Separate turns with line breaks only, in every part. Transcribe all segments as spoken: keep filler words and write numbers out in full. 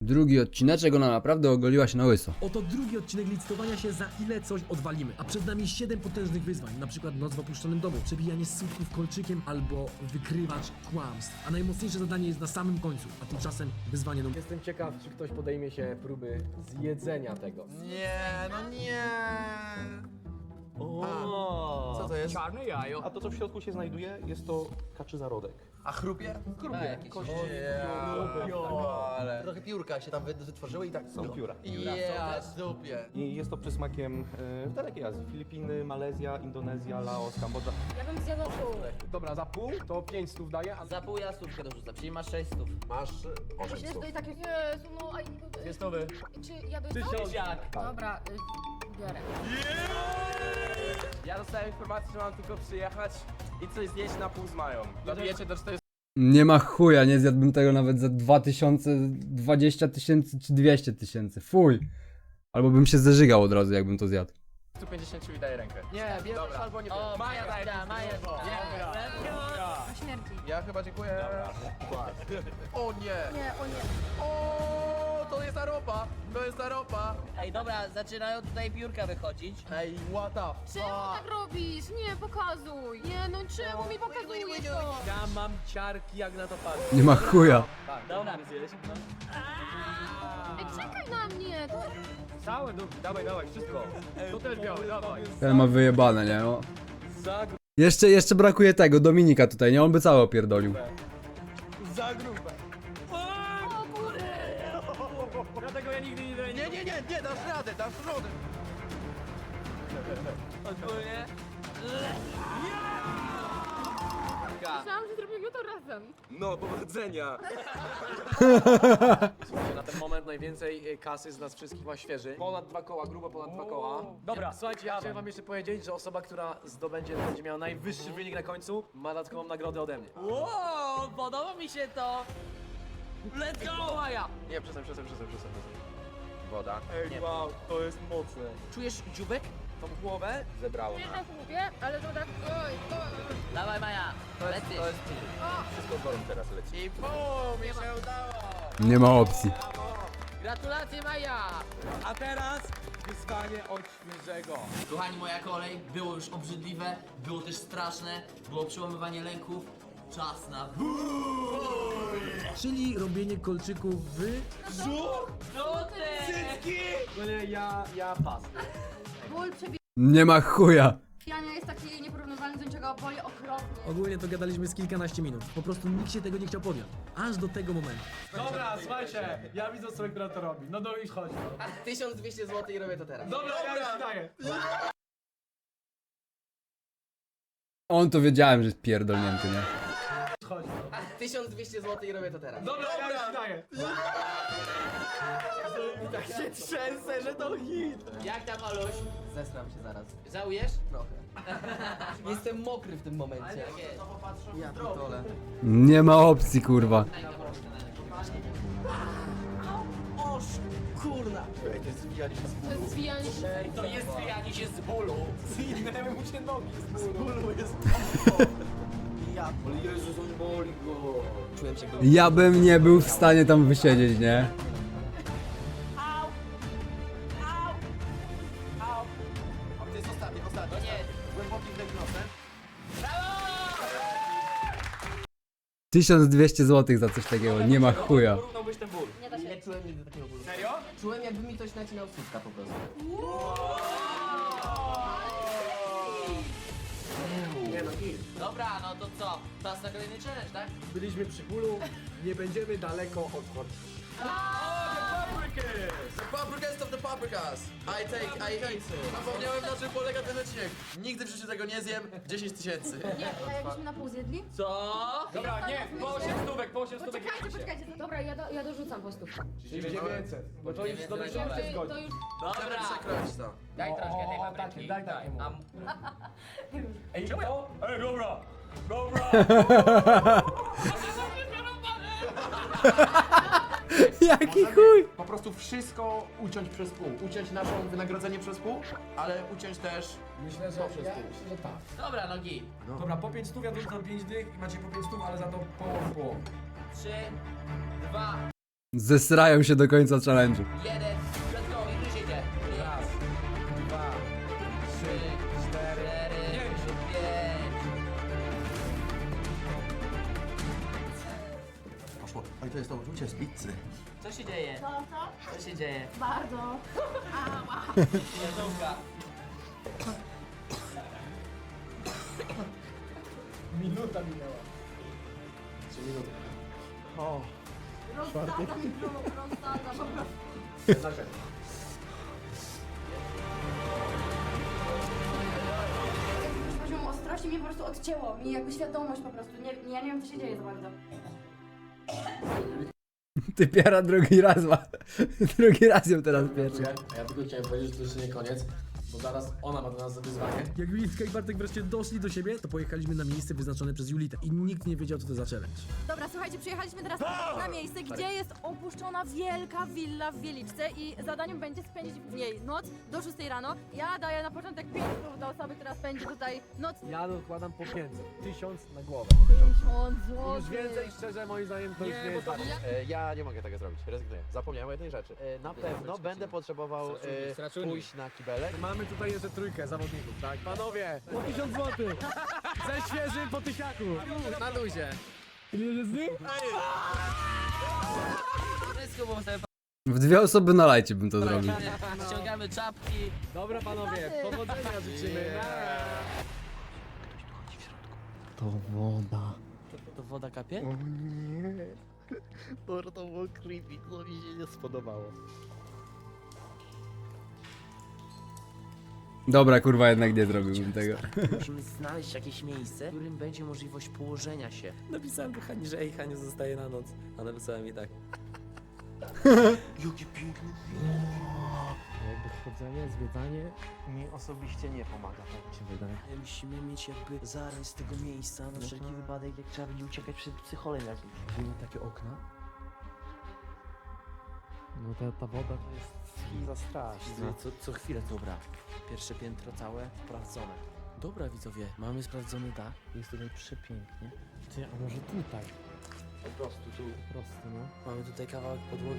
Drugi odcineczek, ona naprawdę ogoliła się na łyso.
Oto drugi odcinek licytowania się, za ile coś odwalimy. A przed nami siedem potężnych wyzwań, na przykład noc w opuszczonym domu, przebijanie słupków kolczykiem albo wykrywacz kłamstw. A najmocniejsze zadanie jest na samym końcu, a tymczasem wyzwanie numer...
Jestem ciekaw, czy ktoś podejmie się próby zjedzenia tego.
Nie, no nie.
O,
Co to jest?
Czarne jajo.
A to, co w środku się znajduje, jest to kaczy zarodek.
A chrupie? Chrupie. Kości. Ale... Trochę piórka się tam wy- wytworzyły i tak...
Są pióra.
Ja, dupie.
I jest to przysmakiem e, w dalekiej Azji. Filipiny, Malezja, Indonezja, Laos, Kambodża.
Ja bym zjadła pół.
Dobra, za pół to pięć stów daję, a
Za pół ja stówkę dorzucam, czyli masz sześć stów.
Masz osiem
Jest
stów.
to i takie, Jezu, no, a...
dwie stówy.
Czy jadłeś to?
Tysiak.
Dobra, y, biorę.
Ja dostałem informację, że mam tylko przyjechać i coś zjeść na pół z Mają. Dobijecie do czterystu.
Nie ma chuja, nie zjadłbym tego nawet za dwa tysiące, dwadzieścia tysięcy czy dwieście tysięcy. Fuj. Albo bym się zeżygał od razu, jakbym to zjadł.
pięćdziesiąt i daję rękę.
Nie, bierzesz
Dobra.
albo nie
O,
bierzesz.
Maja daje, Maja daje.
Na śmierci.
Ja chyba dziękuję. O nie.
Nie, o nie.
O, to jest ta ropa. To jest ta ropa.
Ej, dobra, zaczynają tutaj piórka wychodzić.
Ej, what the
Czemu tak robisz? Nie, pokazuj. Nie, no czemu mi pokazujesz to?
Ja mam ciarki jak na to patrzę.
Nie ma chuja.
Dobra.
Ej, czekaj na mnie. To...
Całe, no, dawaj, dawaj, wszystko. To też białe, dawaj.
Ten ma wyjebane, nie? O.
Za, gru-
Jeszcze, jeszcze brakuje tego, Dominika tutaj, nie? On by cały opierdolił.
za grube.
O kurde.
Dlatego ja nigdy nie daję.
Nie, nie, nie, nie, dasz radę, dasz radę.
Ogólnie.
Myślałam, że zrobimy to razem.
No, powodzenia!
Słuchajcie, na ten moment najwięcej y, kasy z nas wszystkich ma świeży. Ponad dwa koła, grubo ponad dwa koła. Dobra, słuchajcie, ja chciałem wam jeszcze powiedzieć, że osoba, która zdobędzie, będzie miała najwyższy wynik na końcu, ma dodatkową nagrodę ode mnie.
Wow, podoba mi się to. Let's go, Maja.
Nie, przestań, przestań, przestań, przestań.
Woda.
Ej, wow, to jest mocne.
Czujesz dziubek?
Tą głowę zebrało.
Nie tak lubię, ale to tak... Oj, oj.
Dawaj, Maja. Lecisz.
To jest wszystko z worą teraz leci. I pum, mi się udało.
Nie ma opcji.
Gratulacje, Maja.
A teraz wyzwanie od świeżego.
Kochani, moja kolej. Było już obrzydliwe, było też straszne, było przełamywanie lęków. Czas na
Czyli robienie kolczyków w...
No nie, ja, ja pas.
Ból
Nie ma chuja.
przebijania jest taki nieporównywalny do niczego, boli okropnie.
Ogólnie to gadaliśmy z kilkanaście minut. Po prostu nikt się tego nie chciał podjąć. Aż do tego momentu.
Dobra, słuchajcie, ja widzę osobę, która to robi. No do już chodź. No.
tysiąc dwieście złotych i robię to teraz.
Dobra, ja już daję.
On to wiedziałem, że jest pierdolnięty, nie?
Chodź. No.
tysiąc dwieście złotych i robię to teraz.
Dobra, ja już daję.
Tak się trzęsę, że to hit.
Jak tam, Aluś? Zesram się zaraz. Żałujesz? Trochę. Jestem mokry w tym momencie. Ale tak jest.
Ja pitole.
Nie ma opcji, kurwa.
Oż, kurna.
To jest zwijanie się.
To jest zwijanie się z bólu.
Zwinęły mu się nogi z bólu.
Ja, ale Jezus, on boli go.
Czułem się go.
Ja bym nie był w stanie tam wysiedzieć, nie?
A to jest ostatni, ostatni.
No nie.
Głęboki wdech nosem.
tysiąc dwieście złotych za coś takiego, nie ma chuja.
Porównałbyś ten ból.
Nie da się.
Nie czułem nigdy takiego bólu.
Serio?
Czułem, jakby mi ktoś nacinał słupka po prostu.
Nie no, hit.
Dobra, no to co? Czas na kolejny challenge, tak?
Byliśmy przy bólu, nie będziemy daleko od korki.
The paprikast of the paprikas. I take, I eat. Zapomniałem, na czym polega ten odcinek. Nigdy w życiu tego nie zjem. dziesięć tysięcy.
Nie, a jakbyśmy na pół zjedli?
Co?
Dobra, nie, po osiem stówek, po osiem stówek.
Poczekajcie, poczekajcie. Dobra, ja, do, ja dorzucam po stówkę.
Czyli dziewięćset. Bo to już
dziewięćset.
dobrze
Dobra.
się
To,
zgodzi.
to już...
Chcemy przekroić to.
Daj troszkę tej
o,
papryki.
takie, daj takiemu.
Am.
Ej, to? Ej, dobra. Dobra.
Jaki chuj!
Po prostu wszystko uciąć przez pół. Uciąć naszą wynagrodzenie przez pół, ale uciąć też
Myślę, że,
to przez
ja,
pół.
myślę, że tak.
Dobra, nogi.
Dobra, po pięć stów ja dorzucam pięć dych i macie po pięć stów, ale za to połowę połowę.
Trzy, dwa,
Zesrają się do końca challenge'u.
Jeden, let's go, i wyjdziecie. Raz, dwa, trzy, cztery, pięć.
Poszło. Oj, to jest to uczucie z pizzy.
Co się dzieje?
Co, co?
Co się dzieje?
Bardzo.
Jadłka.
Minuta minęła.
Rozsada mi brzuch, rozsada po prostu. Z poziomu ostrości mnie po prostu odcięło. Mi jakby świadomość po prostu. Nie, nie, ja nie wiem co się dzieje za bardzo.
Ty piara drugi raz ma. Drugi raz ją teraz piecze.
A ja tylko chciałem powiedzieć, że to jeszcze nie koniec, bo zaraz ona ma do nas wyzwanie.
Jak Julitka i Bartek wreszcie doszli do siebie, to pojechaliśmy na miejsce wyznaczone przez Julitę. I nikt nie wiedział, co to za challenge.
Dobra, słuchajcie, przyjechaliśmy teraz na miejsce, gdzie jest opuszczona wielka willa w Wieliczce i zadaniem będzie spędzić w niej noc do szóstej rano. Ja daję na początek pięć słów do osoby, która spędzi tutaj noc.
Ja dokładam po pięćset. Tysiąc na głowę.
Tysiąc
Już
złotych.
więcej, szczerze, moim zdaniem to już nie jest warto.
E, ja nie mogę tego zrobić, rezygnuję. Zapomniałem o jednej rzeczy. E, na pewno będę potrzebował e, pójść na kibelek.
Mamy tutaj jeszcze trójkę zawodników, tak? Panowie, po tysiąc złotych! Ze świeżym po tysiaku! Na luzie!
Wszystko było sobie
W dwie osoby na lajcie bym to zrobił.
ściągamy czapki.
Dobra panowie, powodzenia życzymy!
To woda. To woda kapie?
To było creepy, to mi się nie spodobało.
Dobra, kurwa, jednak nie zrobiłbym tego.
Musimy znaleźć jakieś miejsce, w którym będzie możliwość położenia się. Napisałem do Hani, że ej, Haniu zostaje na noc. A napisałem jej tak. Jakie piękne. Jakby chodzenie, zwiedzanie mi osobiście nie pomaga, tak mi się wydaje. Musimy mieć jakby zarys tego miejsca, na wszelki wypadek, jak trzeba będzie uciekać przed psycholem jakimś. Widzimy takie okna. No ta, ta woda to jest za straszna. Co, co chwilę, dobra. Pierwsze piętro całe sprawdzone. Dobra widzowie, mamy sprawdzony dach. Jest tutaj przepięknie. Ty, a może tutaj? Po prostu tu. Po prostu, no. Mamy tutaj kawałek podłogi.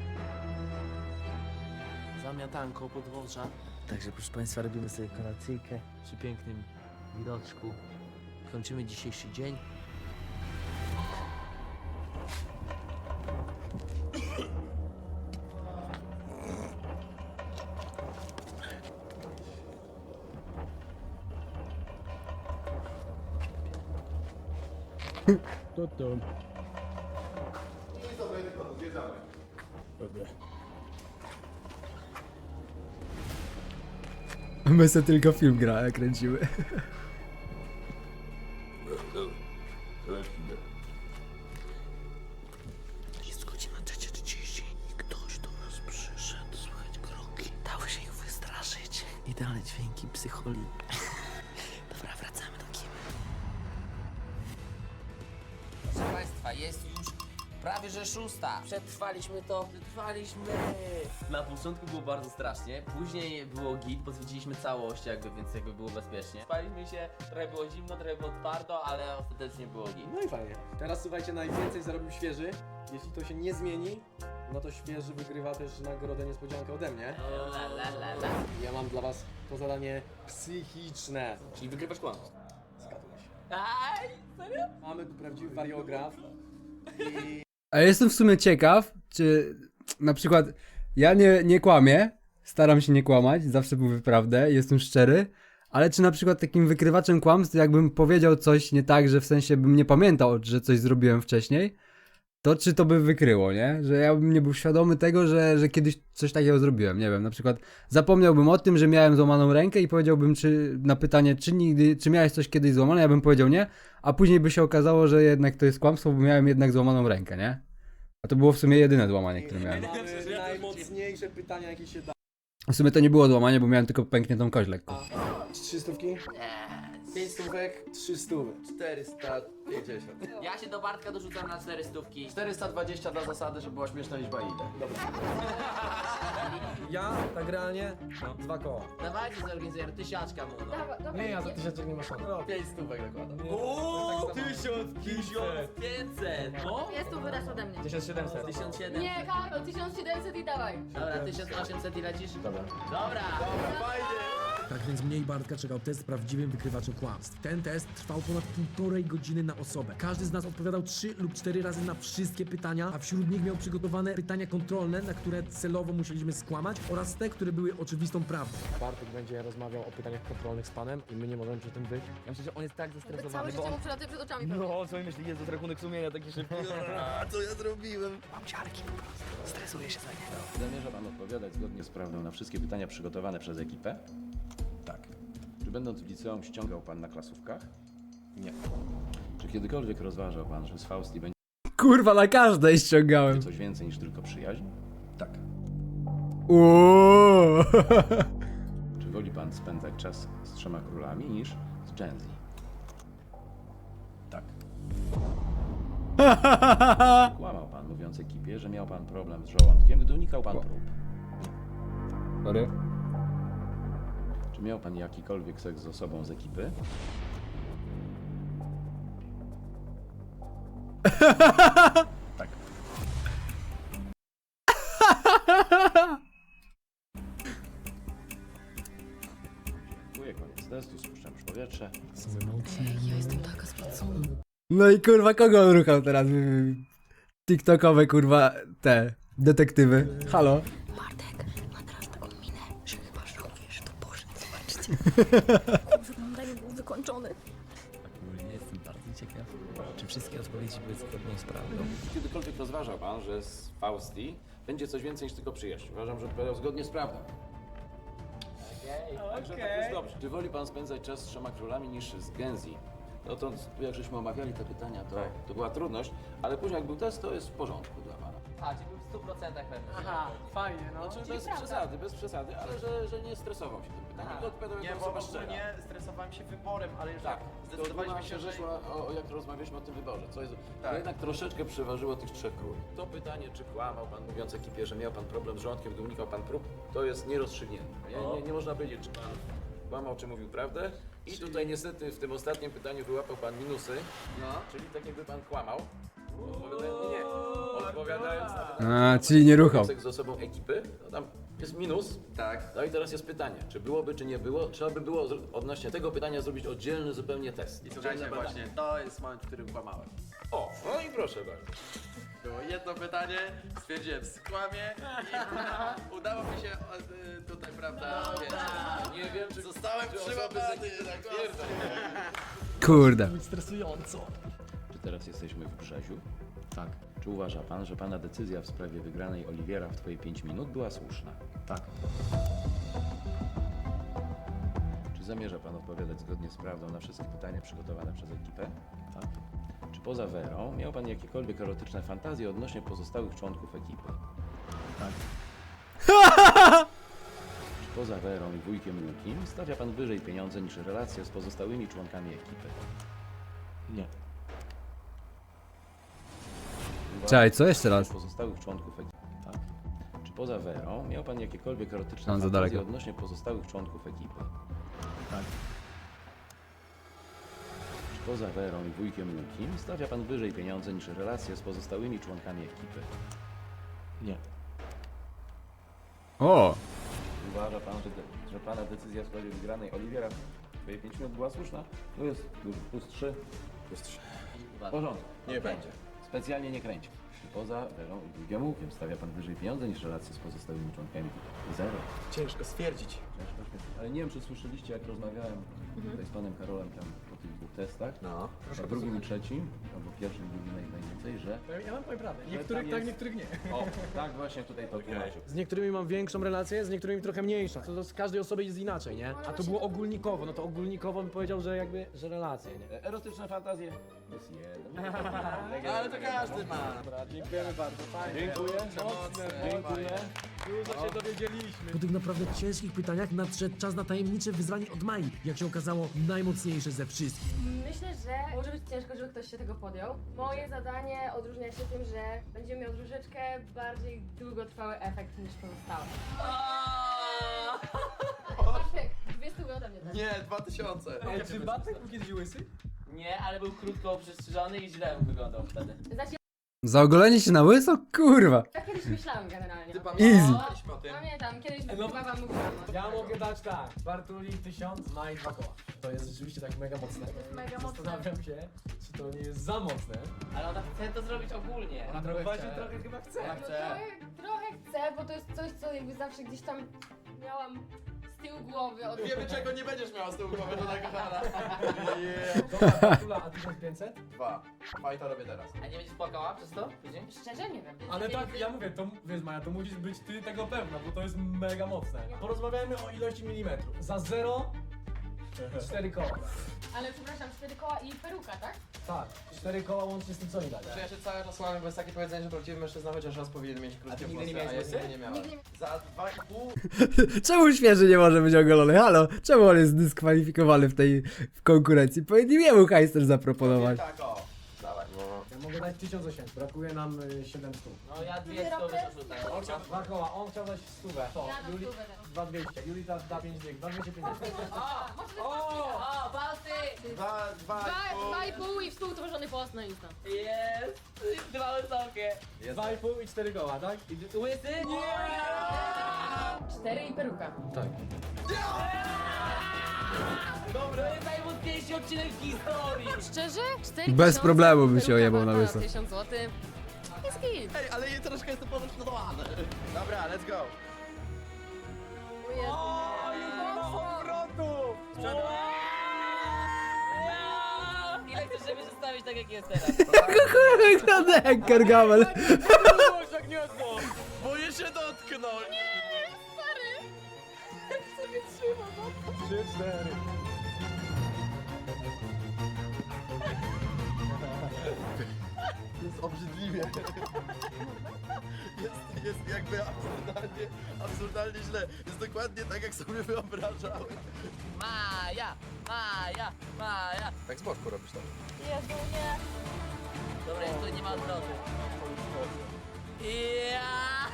Zamiatanko podwórza. Także proszę Państwa, robimy sobie kolacyjkę przy pięknym widoczku. Kończymy dzisiejszy dzień.
To to.
My se tylko film gra, kręciły.
Jest godzina trzecia trzydzieści i ktoś do nas przyszedł, słuchać kroki. Dało się ich wystraszyć. Idealne dźwięki psycholi. Dobra, wracamy do kibla. Proszę Państwa, jest już prawie że szósta. Przetrwaliśmy to. Przetrwaliśmy. Na początku było bardzo strasznie, później było git, bo zwiedziliśmy całość jakby, więc jakby było bezpiecznie. Spaliśmy się, trochę było zimno, trochę było twardo, ale ostatecznie było git.
No i fajnie. Teraz słuchajcie, najwięcej zarobił świeży. Jeśli to się nie zmieni, no to świeży wygrywa też nagrodę niespodziankę ode mnie.
La, la, la, la.
Ja mam dla was to zadanie psychiczne. Czyli wygrywasz kłamstwo. Zgadłeś.
Aj, serio?
Mamy tu prawdziwy wariograf. I
A jestem w sumie ciekaw, czy na przykład ja nie, nie kłamię, staram się nie kłamać, zawsze mówię prawdę, jestem szczery, ale czy na przykład takim wykrywaczem kłamstw, jakbym powiedział coś nie tak, że w sensie bym nie pamiętał, że coś zrobiłem wcześniej, to czy to by wykryło, nie? Że ja bym nie był świadomy tego, że, że kiedyś coś takiego zrobiłem, nie wiem, na przykład zapomniałbym o tym, że miałem złamaną rękę i powiedziałbym czy, na pytanie, czy nigdy, czy miałeś coś kiedyś złamane, ja bym powiedział nie, a później by się okazało, że jednak to jest kłamstwo, bo miałem jednak złamaną rękę, nie? A to było w sumie jedyne złamanie, które miałem.
mamy najmocniejsze pytania, jakie się da.
W sumie to nie było złamanie, bo miałem tylko pękniętą kość lekko.
Trzy stówki?
Nie,
pięć stówek, trzy stówy.
czterysta pięćdziesiąt.
Ja się do Bartka dorzucam na cztery stówki.
czterysta dwadzieścia dla zasady, żeby była śmieszna liczba i idę. Dobra.
Ja, tak realnie, dwa koła.
Dawajcie zorganizujemy tysiaczka mu, no.
Dobra, dobra,
Nie, ja za tysiączek nie ma szans.
No, pięć stówek nakładam.
Ooo, tysiąc pięćset, no.
Jest tu wyraz ode mnie.
tysiąc siedemset.
tysiąc siedemset.
Nie, Karol, tysiąc siedemset i dawaj.
Dobra, tysiąc osiemset i lecisz?
Dobra.
Dobra.
Tak więc mnie i Bartka czekał test z prawdziwym wykrywaczem kłamstw. Ten test trwał ponad półtorej godziny na osobę. Każdy z nas odpowiadał trzy lub cztery razy na wszystkie pytania, a wśród nich miał przygotowane pytania kontrolne, na które celowo musieliśmy skłamać, oraz te, które były oczywistą prawdą.
Bartek będzie rozmawiał o pytaniach kontrolnych z panem i my nie możemy przy tym być. Ja myślę, że on jest tak
Cały
zestresowany,
życie
bo on...
mu przelatuje przed oczami. pewnie.
No, co mi myśli, jest rachunek sumienia taki szybki.
A co ja zrobiłem?
Zamierza pan odpowiadać zgodnie z prawdą na wszystkie pytania przygotowane przez ekipę? Tak. Czy będąc w liceum ściągał pan na klasówkach? Nie. Czy kiedykolwiek rozważał pan, że z Fausti będzie
Kurwa, na każdej ściągałem.
coś więcej niż tylko przyjaźń? Tak.
Uuuu.
Czy woli pan spędzać czas z trzema królami niż z Gen Z? Tak. Kłamał pan, mówiąc ekipie, że miał pan problem z żołądkiem, gdy unikał pan prób.
Sorry.
Czy miał pan jakikolwiek seks z osobą z ekipy? Tak. Dziękuję, koniec testu, spuszczam już powietrze.
Ja jestem taka spocona.
No i kurwa, kogo on ruchał teraz? TikTokowe kurwa te detektywy. Halo?
Bartek ma teraz taką minę, że chyba żałujesz, to Boże, zobaczcie. Wygląda mi był wykończony.
Ogólnie jestem bardzo ciekaw, czy wszystkie odpowiedzi były zgodne z prawdą.
Czy kiedykolwiek rozważał pan, że z Fausti będzie coś więcej niż tylko przyjaźń? Uważam, że odpowiadał zgodnie z prawdą. Także tak już dobrze. Czy woli pan spędzać czas z trzema królami niż z Gen Z? No to jak żeśmy omawiali te pytania, to, to była trudność, ale później jak był test, to jest w porządku dla pana.
A, czyli był w stu procentach pewny.
Aha, fajnie, no.
Znaczy bez przesady, bez przesady, ale że, że nie stresował się tym pytaniem, tylko odpowiadał
Nie,
jako
bo
osoba szczera.
ogólnie stresowałem się wyborem, ale już
Tak,
tak,
zdecydowaliśmy
zdecydowaliśmy
się,
się, że...
że szło o, o jak rozmawialiśmy o tym wyborze, co jest,
Tak.
to jednak troszeczkę przeważyło tych trzech króli. To pytanie, czy kłamał pan mówiąc ekipie, że miał pan problem z żołądkiem, gdy unikał pan prób, to jest nierozstrzygnięte. Nie, nie, nie można powiedzieć, czy pan kłamał, czy mówił prawdę. I tutaj niestety w tym ostatnim pytaniu wyłapał pan minusy,
No.
czyli tak jakby pan kłamał. Odpowiadając, nie, nie, odpowiadając na pytanie,
A, czyli nie ruchał.
seks z osobą ekipy, no tam jest minus.
Tak.
No i teraz jest pytanie, czy byłoby, czy nie było? Trzeba by było zro- odnośnie tego pytania zrobić oddzielny zupełnie test.
I słuchajcie,
Oddzielne
właśnie, to jest moment, w którym kłamałem.
O, no i proszę bardzo.
Było jedno pytanie, stwierdziłem skłamie i udało mi się e, tutaj, prawda, wiesz,
Nie wiem, czy
zostałem
czy osoby
przyłapany,
z ekipy
tak
tak twierdzą.
Kurde.
Stresująco.
Czy teraz jesteśmy w Brzeziu? Tak. Czy uważa pan, że pana decyzja w sprawie wygranej Oliwiera w twoje pięć minut była słuszna? Tak. Czy zamierza pan odpowiadać zgodnie z prawdą na wszystkie pytania przygotowane przez ekipę? Tak. Czy poza Werą miał pan jakiekolwiek erotyczne fantazje odnośnie pozostałych członków ekipy? Tak. Czy poza Werą i wujkiem Łukim stawia pan wyżej pieniądze niż relacje z pozostałymi członkami ekipy? Nie.
Czekaj, co jeszcze raz?
Pozostałych członków ekipy. Tak. Czy poza Werą miał pan jakiekolwiek erotyczne
Tam za
fantazje
daleko.
odnośnie pozostałych członków ekipy? Tak. Czy poza Werą i wujkiem Łukim stawia pan wyżej pieniądze niż relacje z pozostałymi członkami ekipy? Nie.
O!
Uważa pan, że, de- że pana decyzja w sprawie wygranej Oliwiera w twoje pięć minut była słuszna? Tu jest dużo. Plus trzy. Plus trzy. W porządku.
Nie będzie.
Specjalnie nie kręci. Czy poza Werą i wujkiem Łukiem stawia pan wyżej pieniądze niż relacje z pozostałymi członkami ekipy? Zero.
Ciężko stwierdzić.
Ciężko świetnie. Ale nie wiem, czy słyszeliście, jak rozmawiałem tutaj z panem Karolem tam po tych dwóch testach.
No.
A drugim i trzecim, albo pierwszym i drugim naj- najwięcej, że...
Ja mam powiem prawdę.
że
Niektórych
tam
tak,
jest-
niektórych nie.
O, tak właśnie tutaj to tłumaczył.
Z niektórymi mam większą relację, z niektórymi trochę mniejszą. To z każdej osoby jest inaczej, nie? A to było ogólnikowo, no to ogólnikowo bym powiedział, że jakby, że relacje, nie?
E, Erotyczne fantazje? Jest jeden.
Ale to każdy ma.
Dziękujemy bardzo, fajnie.
Dziękuję.
Mocne.
Dziękuję.
Dużo się dowiedzieliśmy.
Po tych naprawdę ciężkich pytaniach nadszedł czas na tajemnicze wyzwanie od Mai. Jak się okazało, najmocniejsze ze wszystkich.
Myślę, że może być ciężko, żeby ktoś się tego podjął. Moje zadanie odróżnia się tym, że będzie miał troszeczkę bardziej długotrwały efekt niż pozostałe. Bartek, dwie stówy ode mnie.
Nie, dwa tysiące.
Ej, czy Bartek był kiedyś łysy?
Nie, ale był krótko przystrzyżony i źle wyglądał wtedy.
Znaczy,
Za ogolenie się na łyso? Kurwa.
ja kiedyś myślałam generalnie.
Ty
Easy.
pamiętaliśmy o tym.
Pamiętam, kiedyś
no-
chyba wam mówiłam.
Ja mogę dać tak. Bartuli tysiąc, Maj dwa koła. To jest rzeczywiście tak mega mocne.
Mega mocne.
Zastanawiam się, czy to nie jest za mocne.
Ale ona chce to zrobić ogólnie.
Ona
trochę
właśnie
chce.
trochę chyba chce.
Ona
No
chce.
trochę, trochę chcę, bo to jest coś, co jakby zawsze gdzieś tam miałam z tyłu głowy od...
Wiemy czego nie będziesz miała z tyłu głowy, żona kochana.
Dobra, Bartula, a tysiąc pięćset?
Dwa. Fajta robię teraz.
A nie będziesz płakała przez to? Tydzień?
Szczerze nie wiem.
Ale tak, ja mówię, to wiesz Maja, to musisz być ty tego pewna, bo to jest mega mocne. Porozmawiajmy o ilości milimetrów. Za zero, cztery koła.
Ale przepraszam, cztery koła i peruka, tak?
Tak, cztery koła łącznie z tym co mi dali.
Czy ja się cały czas łamię, bo jest takie powiedzenie, że prawdziwy mężczyzna chociaż raz powinien mieć krótkie
A ty nigdy
włosy,
nie miałeś
a ja
łysy?
nigdy nie miałem.
Nigdy nie...
Za dwa i pół
Czemu świeży nie może być ogolony? Halo? Czemu on jest dyskwalifikowany w tej w konkurencji? Powinni jemu hajster zaproponować.
tak o. Dawaj. No.
Ja mogę dać tysiąc osiemset, brakuje nam y, siedem stóp.
No ja dwie stówy dorzucam.
On chciał dwa koła, on chciał dać stówę. To,
Ja dam
Juli,
stówę teraz.
dwa dwieście, Julita da pięć dych, dwa dwieście pięćdziesiąt.
A, może to
O, Balty!
Dwa, dwa
Dwa,
i pół.
dwa i pół i współtworzony post na Insta.
Jest! Dwa wysokie.
Dwa i pół i cztery koła, tak?
I łysy? Nie!
Cztery i peruka.
Tak.
To jest najmocniejszy odcinek w historii!
Szczerze? cztery
Bez
tysiące,
problemu by się
peruka
ojebał na
warta
łyso.
tysiąc złotych. Jest git.
Ej, ale jej troszkę jestem podekscytowany. Dobra, let's go.
O Jezu.
Ile chcesz, żeby zostawić tak jak jest teraz?
Kurwa, wygląda jak Gargamel.
Boję się dotknąć.
Stary! Jak sobie trzyma, no.
Trzy, cztery.
Jest obrzydliwie. Jest, jest jakby absurdalnie, absurdalnie źle. Jest dokładnie tak, jak sobie wyobrażałem.
Maja! Maja! Maja!
Tak z boczku robisz to.
Jezu, nie.
Dobra, jest to nie ma odwrotu. Ja!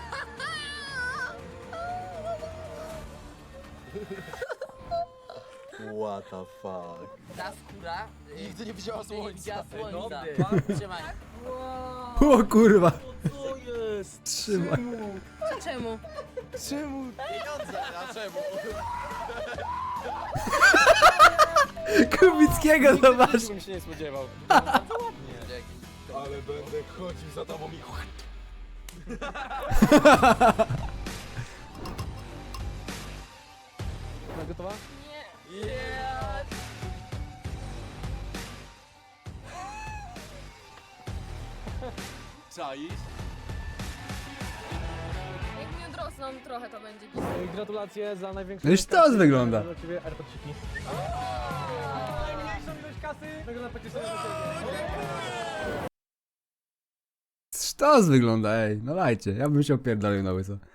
What the fuck.
Ta skóra... y,
Nigdy nie widziała
nigdy nie
słońca.
widziała słońca.
Dobry.
Trzymaj.
Wow.
O kurwa.
Co jest?
Trzymaj.
To czemu?
Czemu?
Pieniądze, a czemu?
Kubickiego zobacz.
bym się nie spodziewał.
Ale będę chodził za tobą i...
Gotowa?
Nie.
Czaisz?
Jak mi odrosną trochę, to będzie git.
Y, Gratulacje za największą...
No już to
kasę.
wygląda.
Dla ciebie AirPodsiki. Najmniejszą ilość kasy. Tego na peticji dla ciebie.
Sztos wygląda, ej. No lajcie. Ja bym się opierdolił na łyso.